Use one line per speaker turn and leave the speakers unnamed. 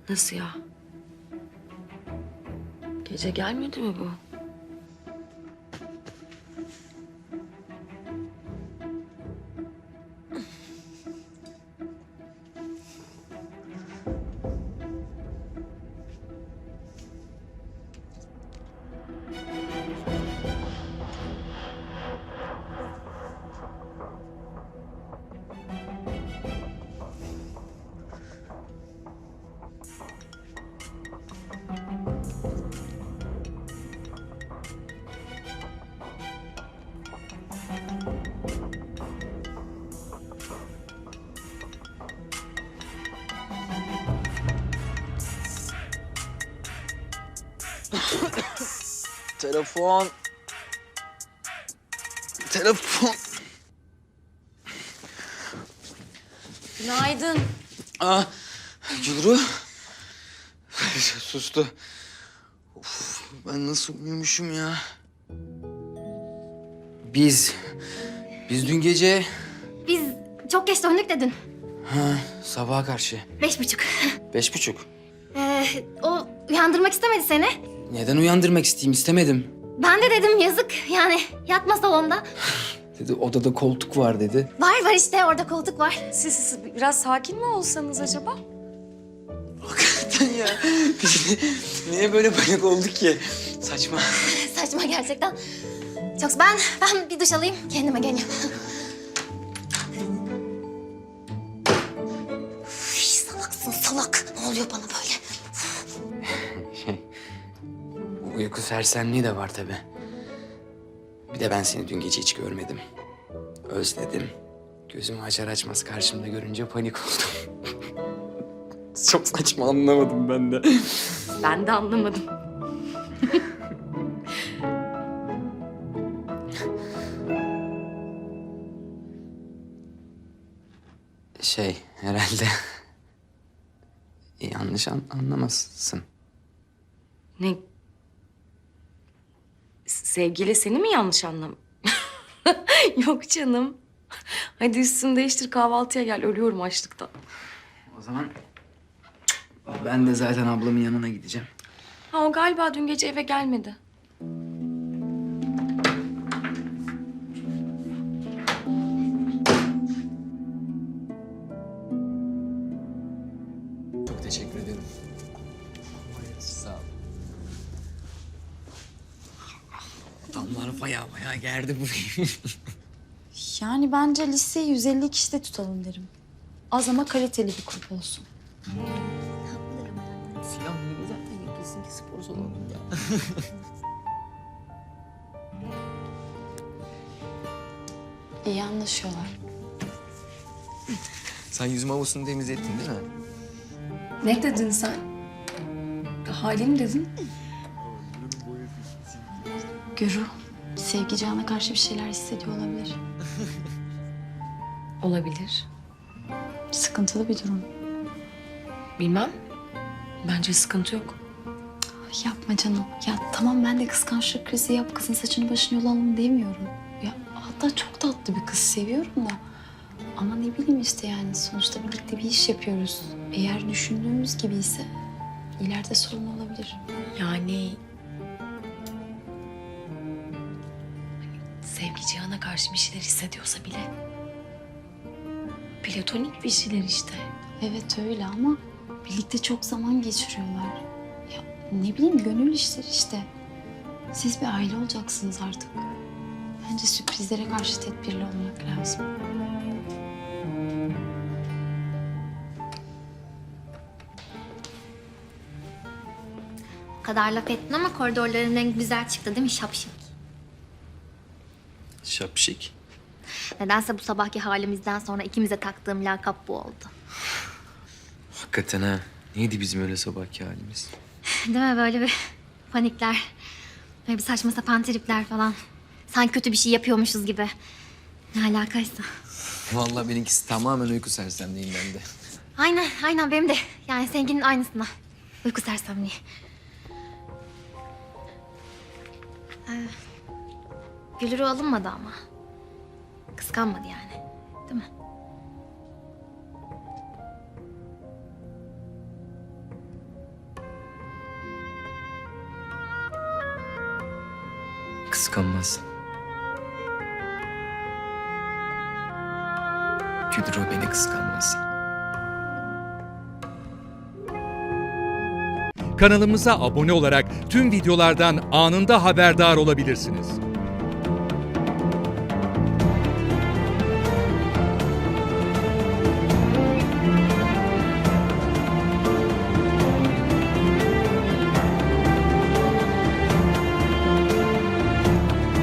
Nasıl ya? Gece gelmedi mi bu?
Telefon. Telefon.
Günaydın.
Aa, Gülru. Sustu. Of, ben nasıl uyumuşum ya? Biz dün gece...
Biz çok geç döndük de dün.
Sabaha karşı.
5:30.
5:30.
O uyandırmak istemedi seni.
Neden uyandırmak isteyeyim? İstemedim.
Ben de dedim yazık yani yatma salonda.
Dedi odada koltuk var dedi.
Var işte orada koltuk var.
Siz biraz sakin mi olsanız acaba?
Hakikaten ya. Biz niye böyle panik olduk ki? Saçma.
Saçma gerçekten. Çok ben bir duş alayım kendime geleyim. Üf, salaksın salak. Ne oluyor bana böyle?
Uyku sersemliği de var tabii. Bir de ben seni dün gece hiç görmedim. Özledim. Gözümü açar açmaz karşımda görünce panik oldum. Çok saçma, anlamadım ben de.
Ben de anlamadım.
Herhalde... yanlış anlamazsın.
Ne? Sevgili seni mi yanlış anlam? Yok canım. Hadi üstünü değiştir kahvaltıya gel. Ölüyorum açlıktan.
O zaman ben de zaten ablamın yanına gideceğim.
Ha o galiba dün gece eve gelmedi.
Çok teşekkür ederim. Sağ ol. Adamlar bayağı gerdi burayı.
Yani bence liseyi 150 kişide tutalım derim. Az ama kaliteli bir grup olsun.
Silah gibi zaten yakasın ki spor salonu ya.
İyi anlaşıyorlar.
Sen yüzme havuzunu temizlettin değil mi?
Ne dedin sen? Halim dedin.
Gürü, Sevgi Can'a karşı bir şeyler hissediyor olabilir.
Olabilir.
Sıkıntılı bir durum.
Bilmem. Bence sıkıntı yok.
Yapma canım. Ya tamam ben de kıskançlık krizi yap, kızın saçını başını yolalım demiyorum. Ya hatta çok tatlı bir kız seviyorum da. Ama ne bileyim işte yani sonuçta birlikte bir iş yapıyoruz. Eğer düşündüğümüz gibi ise ileride sorun olabilir.
Yani... Sevgi Cihan'a karşı bir şeyler hissediyorsa bile... Platonik bir şeyler işte.
Evet öyle ama birlikte çok zaman geçiriyorlar. Ya ne bileyim gönül işleri işte. Siz bir aile olacaksınız artık. Bence sürprizlere karşı tedbirli olmak lazım.
O kadar laf ettin ama koridorların en güzel çıktı değil mi şapşik?
Şapşik.
Nedense bu sabahki halimizden sonra ikimize taktığım lakap bu oldu.
Hakikaten ha. Neydi bizim öyle sabahki halimiz?
Değil mi böyle bir panikler, böyle bir saçma sapan tripler falan. Sanki kötü bir şey yapıyormuşuz gibi. Ne alakaysa.
Vallahi benimkisi tamamen uyku sersemliğinden de.
Aynen benim de. Yani seninkinin aynısına. Uyku sersemliği. Gülürü alınmadı ama. Kıskanmadı yani. Değil mi?
kıskanmaz. Gülru beni kıskanmaz.
Kanalımıza abone olarak tüm videolardan anında haberdar olabilirsiniz.